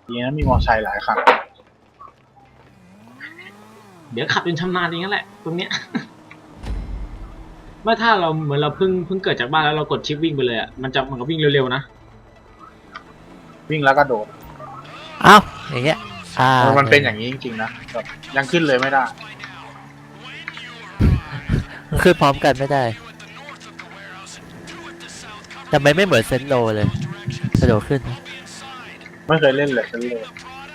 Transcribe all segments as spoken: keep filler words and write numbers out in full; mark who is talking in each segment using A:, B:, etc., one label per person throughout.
A: ดีนะมีมอเตอร์ไซค์หลายคัน
B: เดี๋ยวขับจนชำนาญอย่างนั้นแหละตรงเนี้ยเมื่อถ้าเราเหมือนเราเพิ่งเพิ่งเกิดจากบ้านแล้วเรากดชิปวิ่งไปเลยอ่ะมันจะมันก็วิ่งเร็วๆนะ
A: วิ่งแล้วก็โดด
C: อ้าวอย่างเงี้ยอ่า
A: มันเป็นอย่างนี้จริงๆนะแบบยังขึ้นเลยไม่ได้
C: ขึ้นพร้อมกันไม่ได้แต่ไม่ไม่เหมือนเซนโลเลยกระโดดขึ้น
A: ไม่เคยเล่นเลยฉันเลย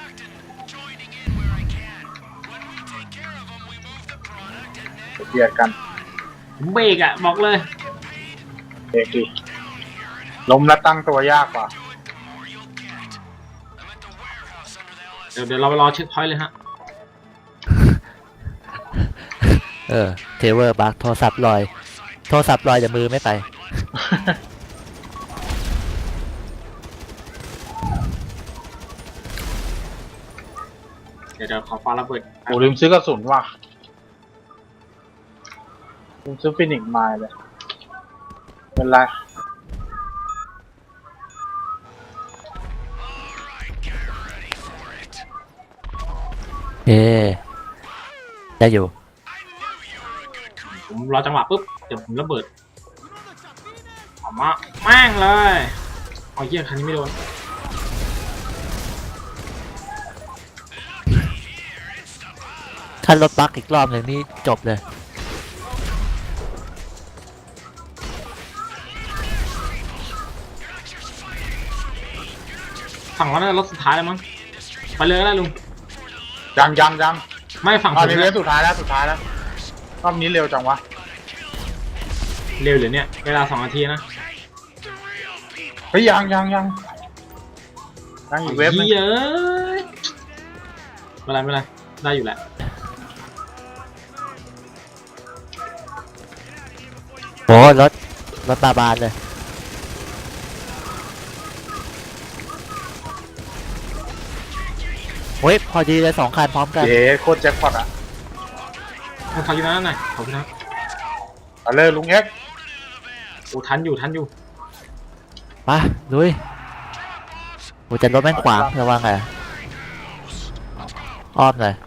A: เบียดกัน
B: เบรกอ่ะบอกเลย
A: เบรกดิล้มแล้วตั้งตัวยากกว่า
B: เดี๋ยวเดี๋ยวเราไปรอเช็คพอยต์เลยฮะ
C: เออเทเวอร์บักโทรศัพท์ลอยโทรศัพท์ลอยแต่มือไม่ไป
B: เดี๋ยวเดี๋ยวขอฟ้าระเบิด
A: โอ้ลืมซื้อกระสุนว่ะลืมซื้อฟินิกซ์มาเลยเป็นไร
C: เอ๊ได้อยู่
B: ผมรอจังหวะปุ๊บเดี๋ยวผมระเบิดออกมาแม่งเลยเอาเยี่ยคันนี้ไม่โดน
C: ถ้ารถบักอีกรอบหนึ่งนี่จบเลย
B: ฝั่งเราเนี่ยรถสุดท้ายแล้วมั้งไปเลยก็ได้ลุง
A: ยังยังยัง
B: ไม่ฝั่ง
A: ผมเนี่ยสุดท้ายแล้วสุดท้ายแล้วรอบนี้เร็วจังวะ
B: เร็วหรือเนี่ยเวลาสองนาทีนะ
A: เฮ้ยยังยังยังยังอีกเว็บนึง
B: เยอะไม่เป็นไรไม่เป็นไรได้อยู่แหละ
C: โอ้รถรถบาบานเลยเฮ้ยพอดีเลยสองคันพร้อมกัน
A: เย้โคตรแจ็คพอตอ่ะ
B: ขอบคุณนะหน่อยขอบคุณนะ
A: เอาเลยลุงเอ็ก
B: โอ้ทันอยู่ทันอยู่
C: มาลุยโอ้จะรถแม่งขวางระวังไงอ้อมเลย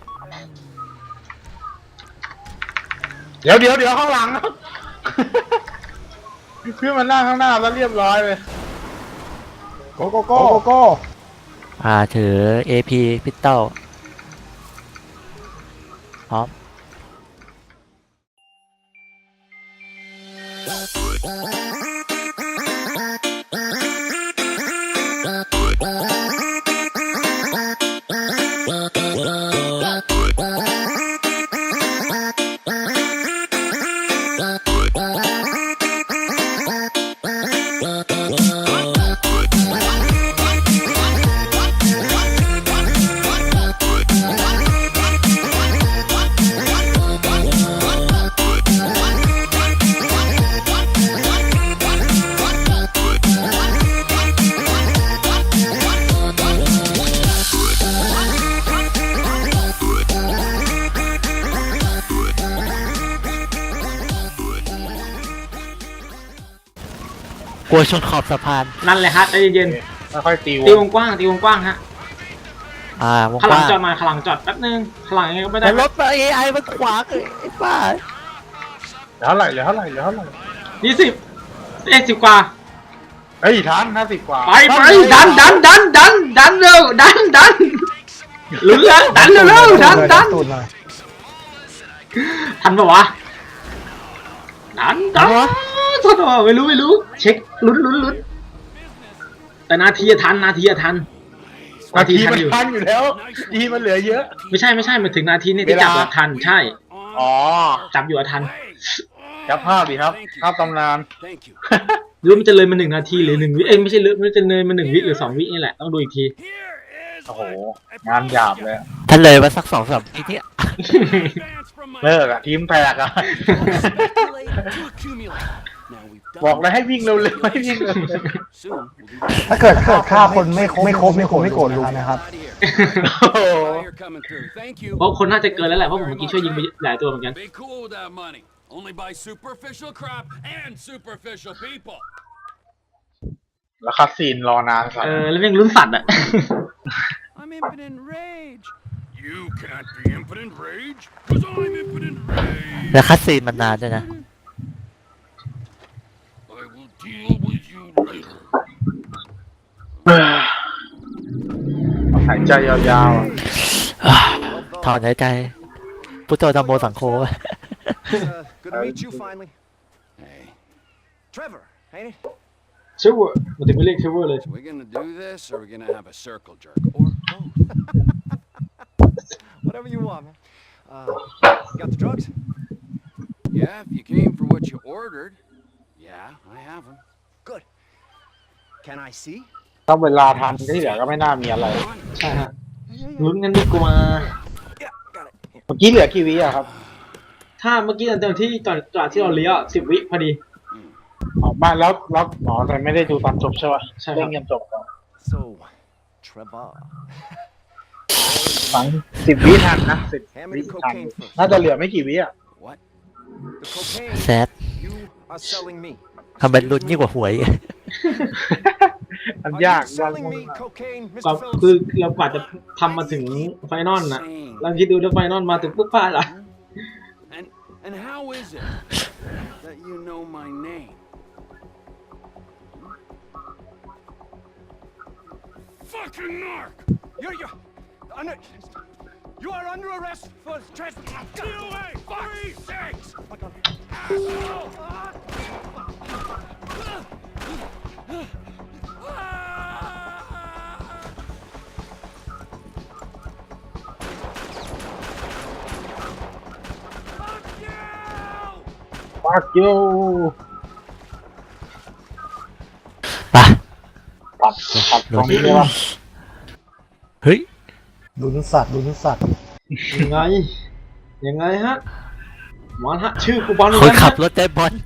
A: เดี๋ยวเดี๋ยวเดี๋ยวข้างหลังเพื่อนมันนั่งข้างหน้าแล้วเรียบร้อยเลยโกโกโกโกโก
C: อ่าถือ เอ พี พิสตอลพร้อมกลัวชนขอบสะพาน
B: นั่นเลยฮะใจเย็น
A: ๆค่อยๆตีวง
B: ตีวงกว้างตีวงกว้างฮะ
C: อ่าวง
B: กว้างขลังจอดมาขลังจอดแป๊บนึงขลังยังไงก็ไม่ได้
C: รถเอไอมันขวางไอ้ป้า
A: เหลือเท่าไหร่เหลือเท่าไหร่เหลือเท่าไหร่
B: ยี่สิบเอ็ดสิบกว่า
A: เฮ้ยทันห้าสิบกว่า
B: ไปไปดันดันดันดันดันเร็วดันดันหรือดันเร็วเร็วดันดันทันปะวะดันดันทันปะไม่รู้ไม่รู้เช็คลุ้นลุ้นลุ้นแต่นาทีทันนาทีทัน
A: นาทีมันทันอยู่แล้วทีมันเหลือเยอะ
B: ไม่ใช่ไม่ใช่มาถึงนาทีนี่ที่จับทันใช่
A: อ๋อ
B: จับอยู่ทัน
A: จับภาพดิครับภาพตำนาน
B: รู้มันจะเลยมาหนึ่งนาทีหรือหนึ่งวิเอ้ยไม่ใช่เลยมันจะเลยมาหนึ่งวิหรือสองวินี่แหละต้องดูอีกที
A: โอ้โหงานหยาบเลย
C: ท่านเลยมาสักสองสามวิที่
A: เลิกอะทีมแตกอะบอกเลยให้วิ่งเร็วๆให้วิ่งเร็ว
D: ถ้าเกิดเกิดฆ่าคนไม่ไม่ครบไม่ครบไม่โกรธลุงนะครับ
B: เพราะคนน่าจะเกินแล้วแหละเพราะผมเมื่อกี้ช่วยยิงไปหลายตัวเหมือนกัน
A: แล้วคัดซีนรอนานสัตว์
B: เออแล้วยังลุ้นสัตว์อ่ะ
E: impotent rage. You can't be impotent rage, cause I'm impotent rage.
C: แล้วคัดซีนมันนานด้วยนะ
E: I will deal with you later.
A: หายใจยาวๆอะ
C: ถอนหายใจ พุทโธธรรมโมสังโฆ
F: Uh, good to meet you finally.
E: Hey,
F: Trevor, ain't it?
B: เชฟเวอร์มันถึงไม่เรียกเชฟเวอร์เลย
E: so we gonna do this, or we gonna have a circle jerk, or both?
F: Whatever you want, man. Uh, got the drugs?
E: Yeah, if you came for what you ordered. Yeah, I have them.
F: Good. Can I see?
A: ถ้าเวลาทันที่เหลือก็ไม่น่ามีอะไร
B: ใช่ฮะลุ้นกันดีกว่า
F: Yeah, got it.
A: เมื่อกี้เหลือกี่วิอะครับ
B: ถ้าเมื่อกี้ตอนที่ก่อนก่อนที่เราเลี้ยวสิบวิพอดี
A: ออกบ้านแล้วแล้วหมอแต่ไม่ได้ดูตอนจบใช่ป่ะ
B: ใช่ครับ
A: เล่นเกมจบก่อน
F: So, Trevor.
A: ฝังสิบวิทันนะสิบ
F: Hand
A: วิ
F: me the
A: ทัน
F: cocaine first.
A: น่าจะเหลือไม่กี่วิอะ
E: What?
F: The cocaine
C: แซด
F: you are selling me.
C: ทำเป็นลุ้นยิ่งกว่าหวย
A: มัน
F: Are
A: ยาก
F: you
A: ยาก
F: selling
A: มาก
F: me cocaine,
B: ก็
F: Mister
B: คือ
F: Phillips?
B: เรากว่าจะทำมาถึงไฟนอลนะเราคิดดูถ้าไฟนอลมาถึงปุ๊บพลาดละ
E: And and how is it that you know my name? Fucking narc!
F: You're, you're under, you are under arrest for trespass.
E: Get away! Three six!
F: My God.
E: Asshole! Fuck you!
A: ฟักยู
C: ไป
A: ตัดตัดตรงนี้ได้ปะ
C: เฮ้ย
D: ลุ้นสัตว์ลุ้นสัตว์
B: ยังไง ยังไงฮะหมอนฮะ ชื่อกูบอลเหมื
C: ค
B: อน นกัน
C: ขับ
B: ฮะ
C: รถได้บอล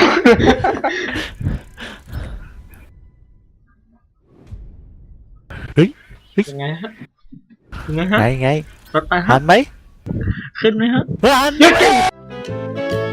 C: เฮ้ย
B: ยังไงฮะ ยังไงฮะ
C: ไงไง
B: รถไป
C: หั
B: ฮะ
C: นไหม
B: ขึ้นไหมฮะ
C: หัน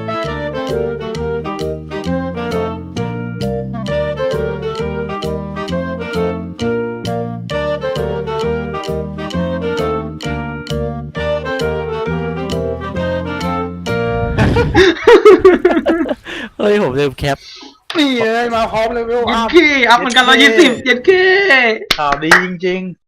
C: เฮ้ย ผมลืมแคป
A: นี่เลยมาพร้อมเลยเวล
B: เย็
A: อั
B: น
A: พ
B: ขี้อัพเหมือนกันร้อยยี่สิบเย็นขี้
A: ข่าวดีจริง